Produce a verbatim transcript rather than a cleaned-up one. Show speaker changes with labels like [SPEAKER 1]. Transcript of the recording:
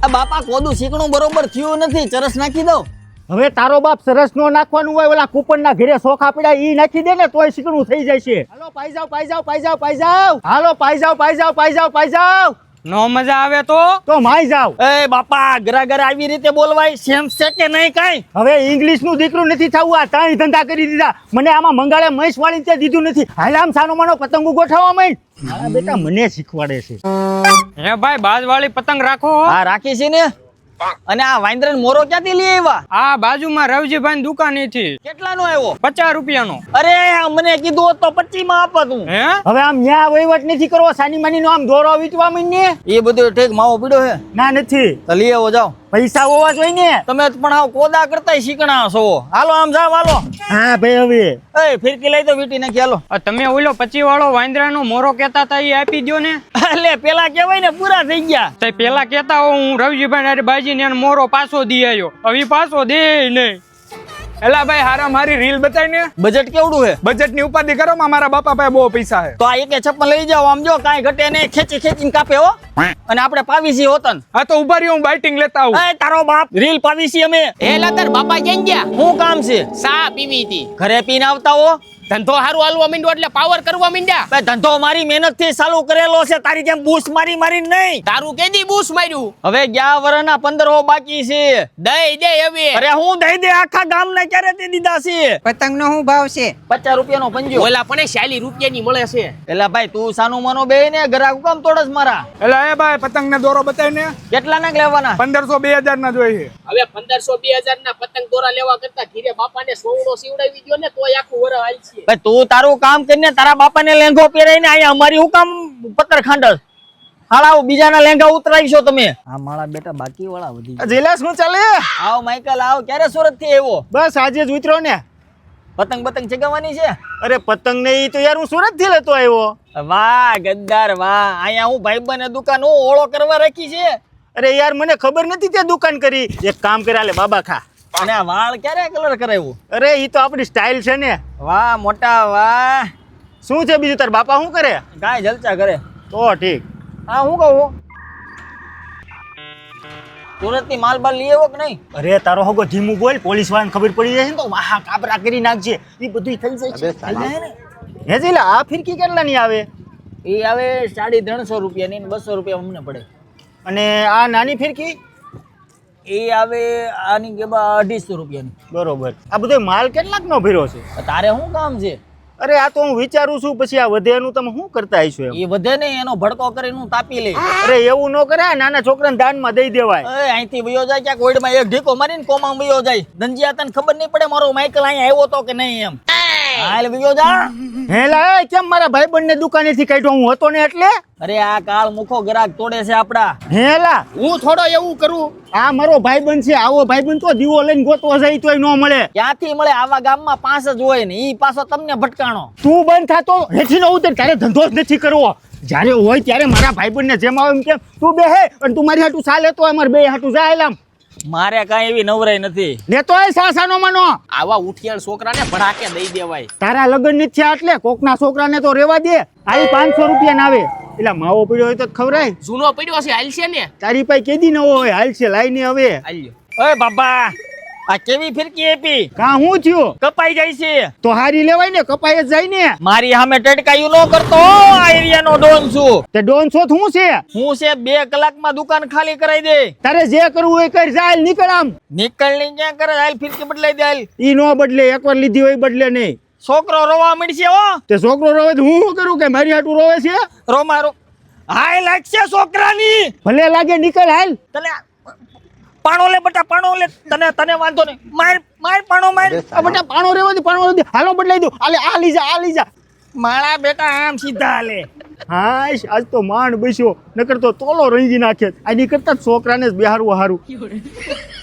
[SPEAKER 1] આ બાપા કોદું શીકણું બરોબર થયું નથી, ચરસ નાખી દઉં.
[SPEAKER 2] હવે તારો બાપ સરસ નો નાખવાનું હોય, ઓલા કૂપન ના ઘરે સોખા પડ્યા ઈ નાખી દે ને તોય શીકણું થઈ જાય છે. હાલો પાઈ જાવ પાઈ જાવ પાઈ જાવ પાઈ જાવ હાલો પાઈ જાવ પાઈ જાવ પાઈ જાવ પાઈ જાવ.
[SPEAKER 3] નો મજા આવે તો
[SPEAKER 2] તો માઈ જાવ.
[SPEAKER 1] એ બાપા ઘરા ઘરા આવી રીતે બોલવાય સેમ છે કે નહીં કાઈ?
[SPEAKER 2] હવે ઇંગ્લિશ નું દીકરું નથી થવું, આ ત્રણ ધંધા કરી દીધા. મને આમાં મંગાળે મહેશ વાળી તે દીધું નથી. હાલ આમ સાનો માનો પતંગો ગોઠવવા માંડ. મારા બેટા મને શીખવાડે છે.
[SPEAKER 3] હે ભાઈ બાજ વાળી પતંગ રાખો.
[SPEAKER 1] હા રાખી છે ને. અને આ વાંદરા મોરો ક્યાંથી લઈ આવ્યા?
[SPEAKER 3] આ બાજુમાં રવજીભાઈ દુકાન થી.
[SPEAKER 1] કેટલાનો આવ્યો?
[SPEAKER 3] પચાસ રૂપિયાનો.
[SPEAKER 1] અરે મને કીધું હોત તો પચીસ માં આપત હું.
[SPEAKER 3] હે
[SPEAKER 2] હવે આમ ન્યા વહીવટ નથી કરવો, સાની માની નો આમ દોરો વીટવા માંડ ને.
[SPEAKER 1] એ બધું ઠીક માવો પીડ્યો છે.
[SPEAKER 2] ના નથી,
[SPEAKER 1] તો લઈ આવો જાઓ.
[SPEAKER 2] પૈસા હોવા જોઈએ ને.
[SPEAKER 1] તમે પણ આવ કોદા કરતા શીકણા છો. હાલો આમ જાવ હાલો.
[SPEAKER 2] હા ભાઈ હવે
[SPEAKER 1] એ ફિરકી લઈ તો વીટી નાખી હાલો.
[SPEAKER 3] આ તમે ઓલો પચી વાળો વાંદરાનો મોરો કેતા હતા એ આપી દો ને.
[SPEAKER 1] એટલે પેલા કેવાય ને પૂરા થઈ ગયા.
[SPEAKER 3] તે પેલા કેતા હો હું રવજીભાઈ અરે બાજી ને મોરો પાછો દી આવ્યો, હવે પાછો દે નહીં.
[SPEAKER 4] એલા ભાઈ હારા મારી રીલ બતાવી ને.
[SPEAKER 1] બજેટ કેવડું છે?
[SPEAKER 4] બજેટ ની ઉપાધિ કરો માં મારા બાપા પાસે બહુ પૈસા છે.
[SPEAKER 1] તો આ એકે છપ્પન લઈ જાઓ. આમ જો કાંઈ ઘટે નહીં, ખેંચી ખેંચીને કાપે હો. અને આપણે પાવીસી હોતન.
[SPEAKER 4] હા તો ઉભા રહ્યો હું બાઇટિંગ લેતા આવું.
[SPEAKER 1] એ તારો બાપ રીલ પાવીસી અમે.
[SPEAKER 5] એ લતર બાપા ક્યાં ગયા?
[SPEAKER 1] શું કામ છે?
[SPEAKER 5] સા પીવી હતી.
[SPEAKER 1] ઘરે પીને આવતા હો.
[SPEAKER 5] ધંધો હારું હાલવા માંડ્યો એટલે પાવર કરવા માંડ્યા.
[SPEAKER 1] બે ધંધો મારી મહેનત થી ચાલુ કરેલો છે, તારી જેમ બૂસ મારી મારી નહીં.
[SPEAKER 5] તારું કેદી બૂસ માર્યું?
[SPEAKER 1] હવે ગયા વર્ષના પંદર હો બાકી છે.
[SPEAKER 5] દઈ દે હવે.
[SPEAKER 1] અરે હું દઈ દે, આખા ગામ ને ક્યારે તે દીધા છે.
[SPEAKER 6] પતંગ નો શું ભાવ છે?
[SPEAKER 1] પચાસ રૂપિયાનો પંજો.
[SPEAKER 5] ઓલા પણ ચાલીસ રૂપિયાની મળે છે.
[SPEAKER 1] એલા ભાઈ તું સાનું માનો બે ને ગ્રાહક કામ તોડસ મારા.
[SPEAKER 4] એલા એ ભાઈ પતંગ ને દોરો બતાવી ને.
[SPEAKER 1] કેટલા ના લેવાના?
[SPEAKER 4] પંદરસો બે હજાર ના જોઈએ.
[SPEAKER 5] હવે પંદરસો બે હજાર ના પતંગ દોરા લેવા કરતા ઘીરે બાપાને સોવડો સીવડાવી દો ને તોય આખું વરસ હાલ છે.
[SPEAKER 1] ભાઈ તું તારું કામ કરીને તારા બાપાને લેંઘો પહેરાઈને અહીંયા અમારી હું કામ પત્તર ખાંડસ હાલાવ બીજાના લેંઘા ઉતરાઈશો તમે. હા મારા બેટા બાકી વાળા વધી ગયા.
[SPEAKER 2] જેલા શું ચાલે?
[SPEAKER 1] આવ માઈકલ આવ. ક્યારે સુરત થી આવ્યો?
[SPEAKER 2] બસ આજે જ ઉતરો ને.
[SPEAKER 1] પતંગ પતંગ ચગાવવાની છે?
[SPEAKER 2] અરે પતંગ નહીં તો યાર હું સુરત થી લેતો આવ્યો.
[SPEAKER 1] વાહ ગદ્દાર વાહ. અહીંયા હું ભાઈબંધ દુકાન હું ઓળો કરવા રાખી છે.
[SPEAKER 2] અરે યાર મને ખબર નથી તે દુકાન કરી. એક કામ કર્યા લે બાબા ખા.
[SPEAKER 1] અને આ વાળ ક્યારે કલર કરાવ્યું?
[SPEAKER 2] અરે ઈ તો આપણી સ્ટાઇલ છે ને.
[SPEAKER 1] વાહ મોટા વાહ.
[SPEAKER 2] શું છે બીજું તાર બાપા શું કરે?
[SPEAKER 1] કાંઈ જલચા કરે.
[SPEAKER 2] તો ઠીક.
[SPEAKER 1] હા હું કહું સુરત થી માલ બાલ લઈ આવ્યો કે નહીં?
[SPEAKER 2] અરે તારો હગો ધીમું બોલ, પોલીસ વાળાને ખબર પડી જશે ને તો વાહ કાબરા કરી નાખજે. એ બધું થઈ જાય છે. હે જીલા આ ફિરકી કેટલા ની આવે?
[SPEAKER 1] એ આવે સાડી ત્રણસો રૂપિયાની ને બસો રૂપિયા અમને પડે.
[SPEAKER 2] અને આ નાની ફિરકી?
[SPEAKER 1] એ આવે આની કે અઢીસો રૂપિયાની.
[SPEAKER 2] બરોબર. આ બધો માલ કેટલાક નો ભર્યો છે?
[SPEAKER 1] તારે શું કામ છે?
[SPEAKER 2] અરે આ તો હું વિચારું છું પછી આ વધે એનું તમે શું કરતા હશો એમ?
[SPEAKER 1] એ વધે ને એનો ભડકો કરીને હું તાપી લઈ.
[SPEAKER 2] અરે એવું ન કરાય, નાના છોકરાને દાનમાં દઈ દેવાય.
[SPEAKER 1] એ અહીંથી વયો જાય ક્યાંક ઓઈડમાં એક ઢીકો મારીને કોમાં વયો જાય. ધંજીયા તને ખબર નહીં પડે મારો માઈકલ અહીંયા આવ્યો તો કે નહીં એમ. હાલ વયો જા.
[SPEAKER 2] હેલા કેમ મારા ભાઈબંધ ને દુકાનેથી કાઢ્યો હું હતો ને એટલે?
[SPEAKER 1] અરે આ કાળ મુખો ગ્રાહક તોડે છે આપડા.
[SPEAKER 2] હેલા
[SPEAKER 5] હું થોડો એવું કરું.
[SPEAKER 2] આ મારો ભાઈબંધ છે, આવો ભાઈબંધ તો દીવો લઈને ગોતવો જાય તોય ન મળે.
[SPEAKER 1] ક્યાંથી મળે? આવા ગામમાં પાંચ જ હોય ને ઈ પાછો તમને ભટકાણો.
[SPEAKER 2] તું બંધ થાતો હેઠી ન ઉતર, તારે ધંધો જ નથી કરવો. જ્યારે હોય ત્યારે મારા ભાઈબંધ ને જેમ આવે એમ કેમ તું બેહે અને તું મારી હાટું સા લેતો અમારે બે હાટું જાય એલામ.
[SPEAKER 1] મારે કાંઈ એવી નવરાઈ નથી.
[SPEAKER 2] લેતો હોય સાસાનો માનો.
[SPEAKER 5] આવા ઉઠિયાળ છોકરાને ભડાકે દઈ દેવાય.
[SPEAKER 2] તારા લગ્ન નથી થયા એટલે કોકના છોકરાને તો રેવા દે. આવી પાંચસો રૂપિયા ના આવે એટલે માવો પડ્યો હોય તો ખવરાય.
[SPEAKER 5] જૂનો પડ્યો છે હાલ છે ને.
[SPEAKER 2] તારી પાસે કેદી નવો હોય હાલ છે લાઈ ને હવે.
[SPEAKER 5] હાલ્યો.
[SPEAKER 1] ઓય બાબા આ કેવી ફિરકી આપી?
[SPEAKER 2] કા હું થયું?
[SPEAKER 1] કપાઈ જાય છે.
[SPEAKER 2] તો હારી લેવાય ને, કપાઈ જ જાય ને.
[SPEAKER 1] મારી સામે ટટકાયું ન કરતો. આ એરિયાનો ડોન છું.
[SPEAKER 2] તે ડોન છો શું છે?
[SPEAKER 1] હું છે બે કલાકમાં દુકાન ખાલી કરાવી દે.
[SPEAKER 2] તારે જે કરવું હોય કરી જા, હાલ નીકળ આમ.
[SPEAKER 1] નીકળ ની ક્યાં કરે? હાલ ફિરકી બદલાઈ દે હાલ.
[SPEAKER 2] ઈ નો બદલે, એકવાર લીધી હોય બદલે નહીં.
[SPEAKER 1] છોકરો રોવા મળશે હો.
[SPEAKER 2] તે છોકરો રોવે તો હું શું કરું કે મારી હાટું રોવે છે?
[SPEAKER 1] રો મારો હાય લાગશે છોકરાની.
[SPEAKER 2] ભલે લાગે નીકળ હાલ.
[SPEAKER 1] તને પાણો લે બટા, પાણો લે. તને તને વાંધો નહીં. માર માર પાણો માર.
[SPEAKER 2] આ બેટા પાણો રેવા દે, પાણો રેવા દે. હાલો બદલાઈ દો. આલે આ લઈ જા, આ લઈ જા.
[SPEAKER 1] મારા બેટા આમ સીધા હાલે.
[SPEAKER 2] હાશ આજ તો માંડ બેસ્યો, નકર તો તોલો રંજી નાખે. આની કરતા છોકરાને જ બેહારવું હારું.